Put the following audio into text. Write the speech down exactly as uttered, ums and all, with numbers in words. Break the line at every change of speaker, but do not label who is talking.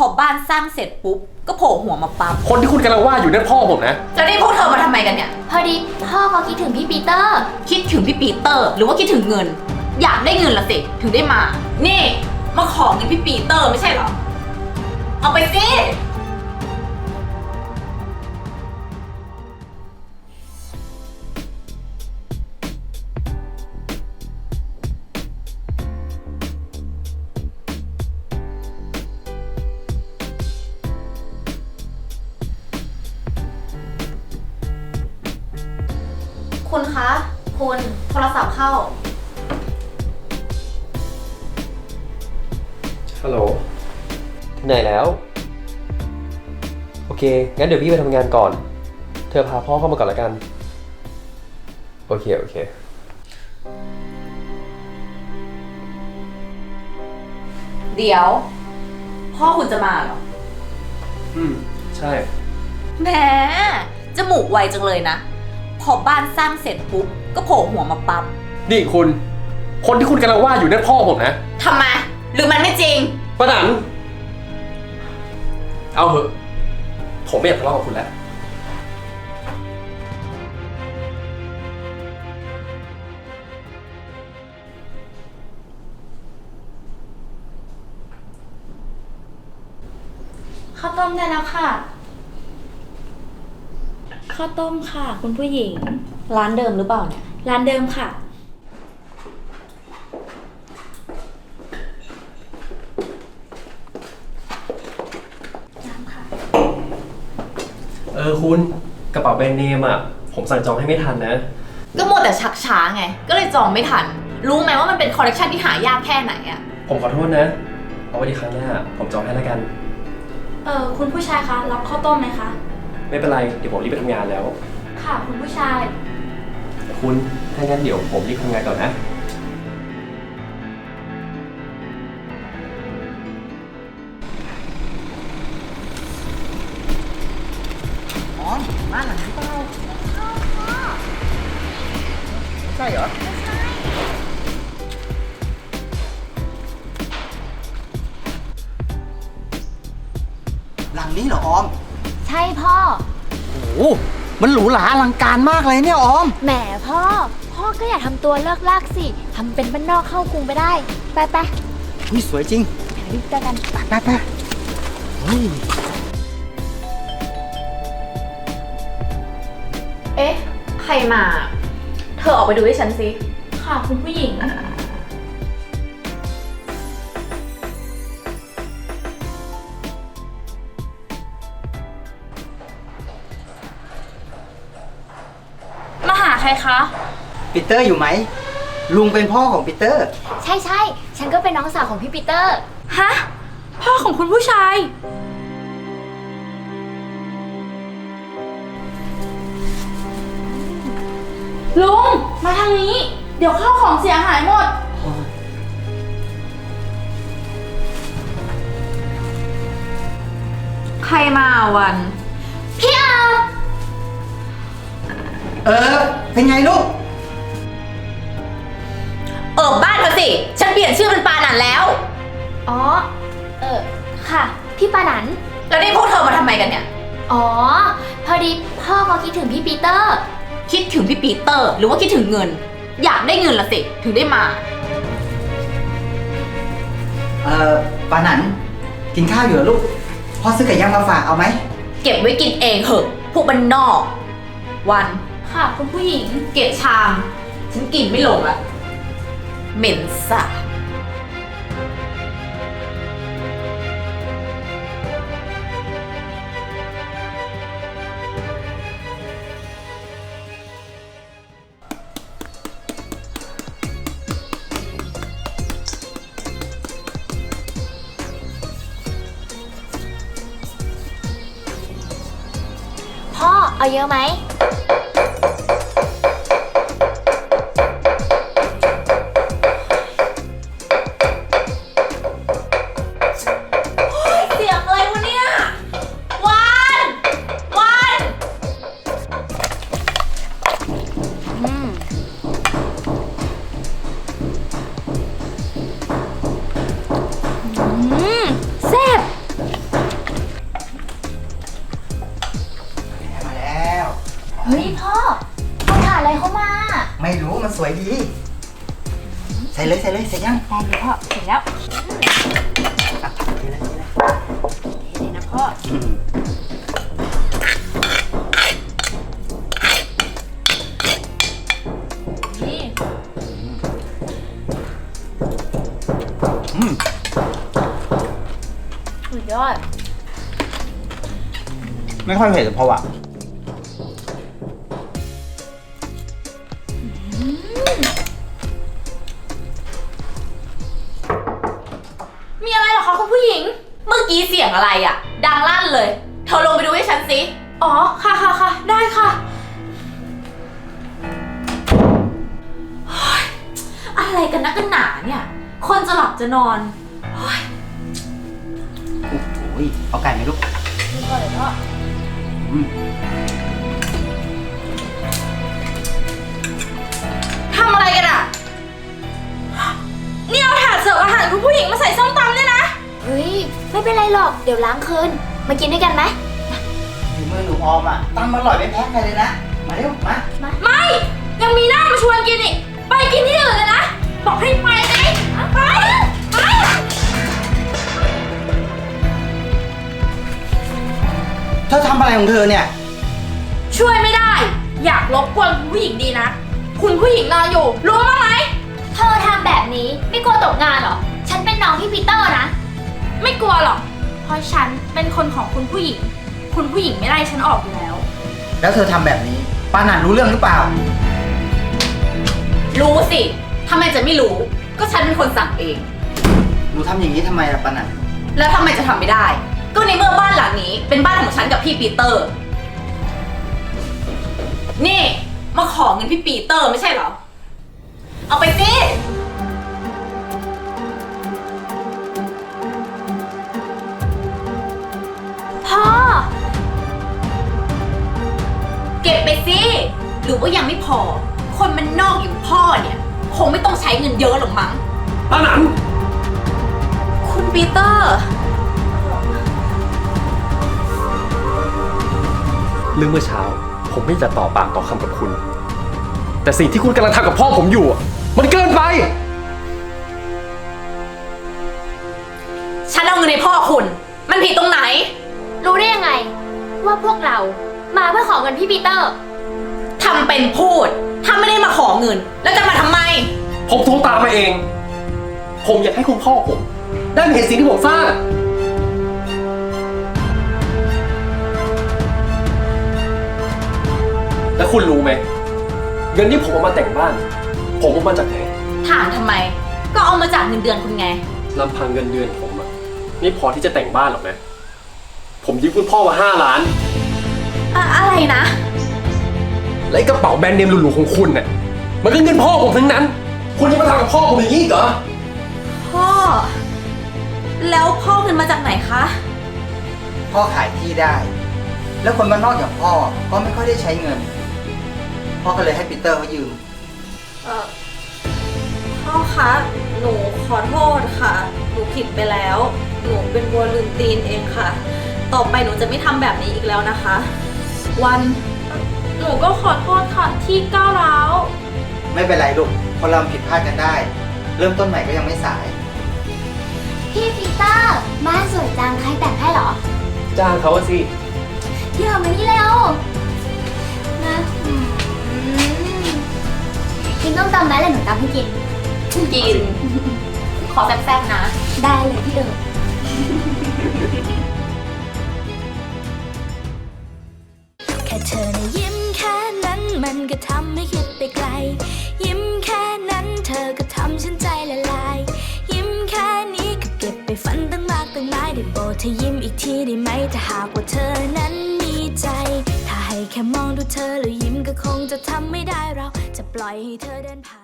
อบ้านสร้างเสร็จปุ๊บก็โผล่หัวมาปั๊บ
คนที่คุณกำลังว่าอยู่นั่นพ่อผมนะ
แล้วนี่พวกเธอมาทำไมกันเนี่ย
พอดีพ่อเขาคิดถึงพี่ปีเตอร์
คิดถึงพี่ปีเตอร์หรือว่าคิดถึงเงินอยากได้เงินละสิถึงได้มานี่มาขอเงินพี่ปีเตอร์ไม่ใช่เหรอเอาไปสิ
คุณคะคุณโทรศัพท์เข้า
ฮัลโหลที่ไหนแล้วโอเคงั้นเดี๋ยวพี่ไปทำงานก่อนเธอพาพ่อเข้ามาก่อนละกันโอเคโอเค
เดี๋ยวพ่อคุณจะมาเหรอ
อืมใช่
แหมจมูกไวจังเลยนะพอบ้านสร้างเสร็จปุ๊บก็โผล่หัวมาปั๊บ
นี่คุณคนที่คุณกำลังว่าอยู่นั่นพ่อผมนะ
ทำไมหรือมันไม่จริง
ป้าหนันเอาเถอะผมไม่อยากทะเลาะกับคุณแล้ว
ข้าวต้มได้แล้วค่ะข้าวต้มค่ะคุณผู้หญิง
ร้านเดิมหรือเปล่าเนี่ย
ร้านเดิมค่ะน้ำค่ะ
เออคุณกระเป๋าแบรนด์เนมอ่ะผมสั่งจองให้ไม่ทันนะ
ก็มัวแต่ชักช้าไงก็เลยจองไม่ทันรู้ไหมว่ามันเป็นคอลเลคชันที่หายากแค่ไหนอ่ะ
ผมขอโทษนะเอาไว้ดีครั้งหน้าผมจองให้แล้วกัน
เออคุณผู้ชายคะรับข้าวต้มไหมคะ
ไม่เป็นไรเดี๋ยวผมรีบไปทำงานแล้ว
ค่ะคุณผู้ชาย
คุณถ้างั้นเดี๋ยวผมรีบทำงานก่อนนะ
อ๋อบ้านหลังนี้เปล่าใช่เหรอไม่ใช่หลังนี้เหรอออม
ใช่พ่อ
โอ้โหมันหรูหราอลังการมากเลยเนี่ยออม
แหมพ่อพ่อก็อย่าทำตัวเลิกลากสิทำเป็นบ้านนอกเข้ากรุงไปได้ไปไป
นี่สวยจริง
ถ่ายรูปกัน
ไปไปไปเฮ้ย
เอ๊ะใครมาเธอออกไปดูให้ฉันสิ
ค่ะคุณผู้หญิงมาหาใครคะ
ปีเตอร์อยู่ไหมลุงเป็นพ่อของปีเตอร์
ใช่ใช่ฉันก็เป็นน้องสาวของพี่ปีเตอร์ฮะพ่อของคุณผู้ชายลุงมาทางนี้เดี๋ยวข้าวของเสียหายหมด
ใครมาวัน
พี่อา
เออเป็นไงลูก
เออบ้านเธอสิฉันเปลี่ยนชื่อเป็นปาหนันแล้ว
อ๋อเออค่ะพี่ปาหนัน
แล้วนี่พวกเธอมาทำไมกันเนี่ย
อ๋อพอดีพ่อเขาคิดถึงพี่ปีเตอร์
คิดถึงพี่ปีเตอร์หรือว่าคิดถึงเงินอยากได้เงินละสิถึงได้มา
เอ่อปาหนันกินข้าวอยู่เหรอลูกพ่อซื้อไก่ย่างมาฝากเอาไหม
เก็บไว้กินเองเหอะพวกบ้านนอกวัน
ค่ะคุณผู้หญิง
เก็บชามฉันกินไม่ลงละเหม็นสาบ
พ่อเอาเยอะไหมฮ้ยพ่อเอาถ่านอะไรเข้ามา
ไม่รู้มันสวยดี ใส่เลยใส่เลยใส่ยัง
ได้เลยพ่อเสร็จแล้ว
อ่ะใส่เลยใส่เลย
เดี๋ยวนะพ่อ
อืม
นี่
อืม
สุดยอด
ไม่ค่อยเผ็ดเพราะว่า
มีอะไรเหรอคะคุณผู้หญิง เมื่อกี้เสียงอะไรอะดังลั่นเลย เธอลงไปดูให้ฉันสิ อ๋อ ค่ะค่ะค่ะ ได้ค่ะเฮ้ยอะไรกันนักกันหนาเนี่ย คนจะหลับจะนอนเฮ้ย
โอ้โหเอาไก่ไหมลูก
ดูก่อนเลยพ่อ
อืม
ทำอะไรกันอะนี่เอาถาดเสิร์ฟอาหารคุณผู้หญิงมาใส่ส้มตำเนี่ยนะ
เฮ้ยไม่เป็นไรหรอกเดี๋ยวล้างคืนมากินด้วยกันไหม
ฝีมือหนูออมอ่ะตำอร่อยไม่แพ้ใครเลยนะ มาเร็วมา
ไม่ ยังมีหน้ามาชวนกินอีก ไปกินที่อื่นเลยนะ บอกให้ไปไงไป ไป
เธอทำอะไรของเธอเนี่ย
ช่วยไม่ได้ อยากรบกวนคุณผู้หญิงดีนะ คุณผู้หญิงนอนอยู่ รู้บ้างไหม
เธอทำแบบนี้ไม่กลัวตกงานเหรอ ฉันเป็นน้องพี่ปีเตอร์นะ
ไม่กลัวหรอก เพราะฉันเป็นคนของคุณผู้หญิง คุณผู้หญิงไม่ไล่ฉันออกอยู่แล้ว
แล้วเธอทำแบบนี้ปานันรู้เรื่องหรือเปล่า
รู้สิทำไมจะไม่รู้ ก็ฉันเป็นคนสั่งเอง
หนูทำอย่างนี้ทำไมล่ะปานัน
แล้วทำไมจะทำไม่ได้ ก็ในเมื่อบ้านหลังนี้เป็นบ้านของฉันกับพี่ปีเตอร์ นี่ มาขอเงินพี่ปีเตอร์ไม่ใช่เหรอ เอาไปสิ
พ่อ
เก็บไปสิ หรือว่ายังไม่พอ คนมันนอกอย่างพ่อเนี่ย คงไม่ต้องใช้เงินเยอะหรอกมั้ง
ป้าหนัน
คุณปีเตอร์
เรื่องเมื่อเช้า ผมไม่จะต่อปากต่อคำกับคุณ แต่สิ่งที่คุณกำลังทำกับพ่อผมอยู่อะมันเกินไป
ฉันเอาเงินในพ่อคุณ มันผิดตรงไหน
รู้ได้ยังไง ว่าพวกเรามาเพื่อขอเงินพี่ปีเตอร์
ทำเป็นพูด ถ้าไม่ได้มาขอเงิน แล้วจะมาทำไม
ผมโทรตามมาเอง ผมอยากให้คุณพ่อผม ได้มาเห็นสิ่งที่ผมสร้าง แล้วคุณรู้ไหมเงินที่ผมเอามาแต่งบ้าน ผมเอามาจากไหน
ถามทำไม ก็เอามาจากเงินเดือนคุณไง
ลำพังเงินเดือนผมอะไม่พอที่จะแต่งบ้านหรอกนะ ผมยืมคุณพ่อมาห้าล้าน
อะอะไรนะ
และไอ้กระเป๋าแบรนด์เนมหรูๆของคุณเนี่ยมันก็เงินพ่อผมทั้งนั้น คุณยังมาทำกับพ่อผมอย่างนี้อีกเหรอ
พ่อ แล้วพ่อเงินมาจากไหนคะ
พ่อขายที่ได้ แล้วคนบ้านนอกอย่างพ่อก็ไม่ค่อยได้ใช้เงิน พ่อก็เลยให้ปีเตอร์เขายืม
เออพ่อคะ หนูขอโทษค่ะ หนูผิดไปแล้ว หนูเป็นวัวลืมตีนเองค่ะ ต่อไปหนูจะไม่ทำแบบนี้อีกแล้วนะคะ วัน หนูก็ขอโทษค่ะที่ก้าวร้าว
ไม่เป็นไรลูกคนเราผิดพลาดกันได้ เริ่มต้นใหม่ก็ยังไม่สาย
พี่ปีเตอร์บ้านสวยจังใครแต่งให้เหรอ
จ้างเขาอะสิ
เดี๋ยวมานี่เร็วนะอืมกินต้มตำไหมเลยหนูตำให้กิน
กิน ขอแซ่บๆนะ
ได้เลยพี่เอิญ
แค่เธอนะยิ้มแค่นั้นมันก็ทำให้คิดไปไกล ยิ้มแค่นั้นเธอก็ทำฉันใจละลาย ยิ้มแค่นี้ก็เก็บไปฝันตั้งมากตั้งหลายได้โปรดเธอยิ้มอีกทีได้ไหมถ้าหากว่าเธอนั้นมีใจ ถ้าให้แค่มองดูเธอแล้วยิ้มก็คงจะทำไม่ได้เราจะปล่อยให้เธอเดินผ่าน